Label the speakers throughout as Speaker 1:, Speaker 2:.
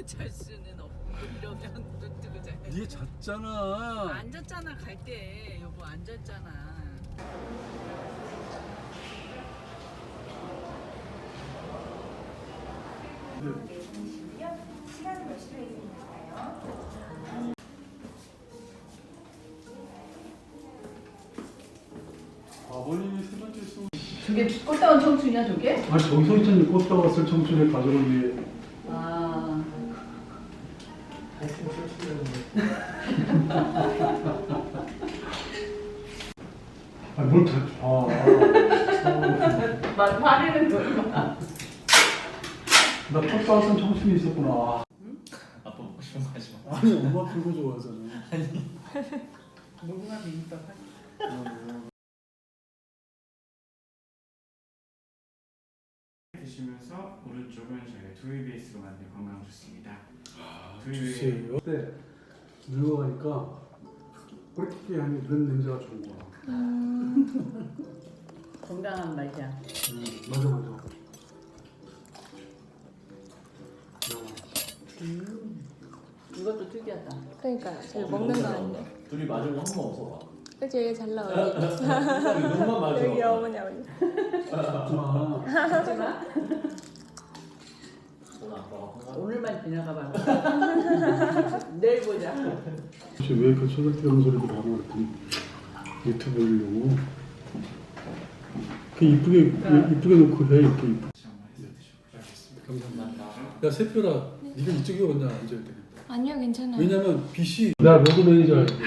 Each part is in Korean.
Speaker 1: 잘 수는 없고 이러면 눈 뜨고 잘.
Speaker 2: 얘 잤잖아.
Speaker 1: 앉았잖아 갈 때 여보 앉았잖아.
Speaker 3: 시간은 몇 시로 예정인가요?
Speaker 2: 아버님이 세 번째 수.
Speaker 1: 저게 꽃다운 청춘이야 저게?
Speaker 2: 아니 저기서 있잖니 꽃다가 왔을 청춘의 가족을 위해.
Speaker 1: 아.
Speaker 2: 아뭘 다.
Speaker 1: 막 화내는 거야.
Speaker 2: 나 꽃다 왔을 청춘이 있었구나.
Speaker 4: 아빠 먹고 싶은 거 하지 마.
Speaker 2: 아니 엄마 그거 좋아하잖아.
Speaker 1: 무궁화 비빔밥 하지.
Speaker 5: 드시면서 오른쪽은 저희가 두유 베이스로 만든 건강 주스입니다.
Speaker 2: 주세요. 네. 늙어가니까 꿀팁이 하는 이런 냄새가 좋은 거야.
Speaker 1: 건강한 맛이야.
Speaker 2: 맞아 맞아.
Speaker 1: 이것도 특이하다.
Speaker 6: 그러니까 잘 먹는 거 같네.
Speaker 4: 둘이 맞은 거 한 번 없어봐.
Speaker 6: 그치 잘 나오네.
Speaker 4: 눈만 맞아.
Speaker 6: 여기 어머니 아버지.
Speaker 2: 아,
Speaker 1: 하지마.
Speaker 4: 오늘 아빠가 건강.
Speaker 1: 오늘만 지나가 봐. 내일 보자.
Speaker 2: 혹시 왜 그 소설대는 소리를 하고 그랬더니 유튜브 올리려고. 그 이쁘게 놓고 해 이렇게 이쁘게. 감사합니다. 야 세표라, 네가 이쪽에 혼자 앉아야 되겠다.
Speaker 6: 아니요 괜찮아요.
Speaker 2: 왜냐면 빛이 나 로드 매니저 알고.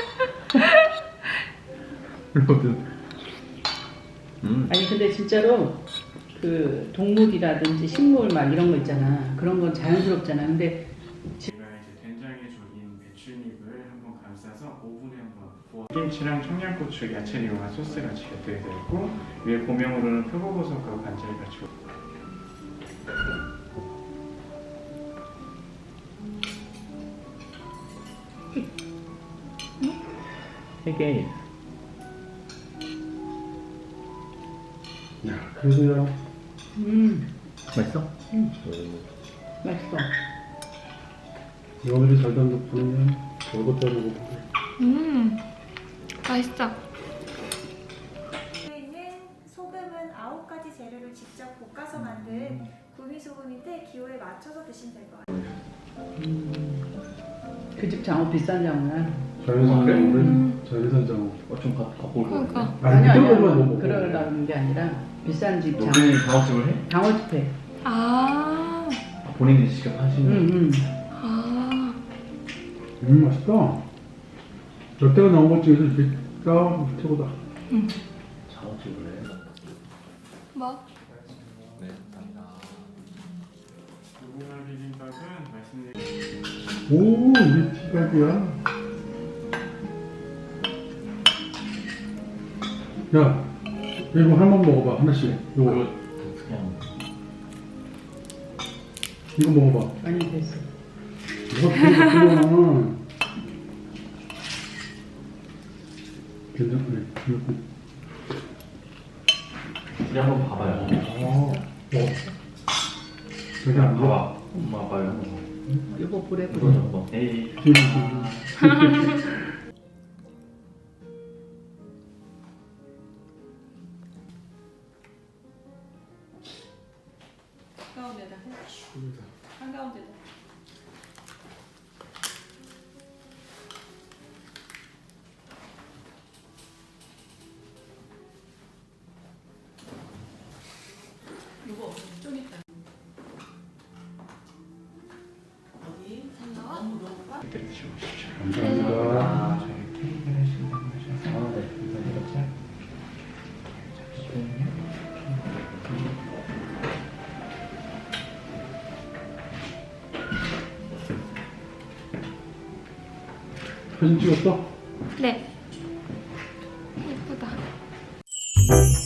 Speaker 1: 아니 근데 진짜로 그 동물이라든지 식물 막 이런 거 있잖아. 그런 건 자연스럽잖아. 근데
Speaker 5: 저희가 이제 된장에 졸인 배추잎을 한번 감싸서 오븐에 한번 구워. 김치랑 청양고추, 야채를 이용한 소스가 곁들여져 있고 위에 고명으로는 표고버섯과 관절을 같이.
Speaker 4: 되게
Speaker 2: 야 그래도야.
Speaker 4: 맛있어?
Speaker 1: 맛있어.
Speaker 2: 며느리 잘 단 덕분에 별것도 아니고.
Speaker 6: 맛있어.
Speaker 3: 저희는 소금은 9가지 재료를 직접 볶아서 만든 구미소금인데 기호에 맞춰서 드시면 될 것 같아요.
Speaker 1: 그 집 장어 비싼 장어야.
Speaker 2: 자연산 장어.
Speaker 4: 좀 갖고 올 거야.
Speaker 6: 그러니까.
Speaker 1: 아니야 아니야.
Speaker 2: 이거만 못 먹어.
Speaker 1: 그러려는 게 아니라 비싼 집 장어.
Speaker 4: 여기 장학식을 해?
Speaker 1: 장어집 해.
Speaker 6: 아.
Speaker 4: 본인이 직접 하시는.
Speaker 1: 응.
Speaker 6: 아.
Speaker 2: 맛있다. 여태가 나온 것 중에서 이게 딱 최고다.
Speaker 4: 장학식을 해.
Speaker 6: 뭐?
Speaker 4: 네, 감사합니다.
Speaker 5: 무궁화 비빔밥은 말씀드린
Speaker 2: 오, 우리 티각이야. 야, 이거 한번 먹어봐, 하나씩.
Speaker 4: 이거
Speaker 2: 요거,
Speaker 4: 그냥
Speaker 2: 이거 먹어봐.
Speaker 1: 아니 됐어.
Speaker 2: 뭐가 필요하구나. 괜찮네.
Speaker 4: 우리 한번 봐봐요.
Speaker 2: 저기 안 봐.
Speaker 4: 봐봐. 엄마 아빠를 한번 봐.
Speaker 1: 이거 불에
Speaker 4: 이거
Speaker 1: 불에.
Speaker 4: 좀 봐. 에이.
Speaker 1: 한가운데다 해. 한가운데다. 이거 좀 있다. 어디? 너무 높아?
Speaker 5: 그때 드시고 싶죠.
Speaker 2: 감사합니다.
Speaker 5: 저희 케이크를 하신다고 하셔서
Speaker 4: 아, 네.
Speaker 5: 이거 짝.
Speaker 2: 사진 찍었어?
Speaker 6: 네. 예쁘다.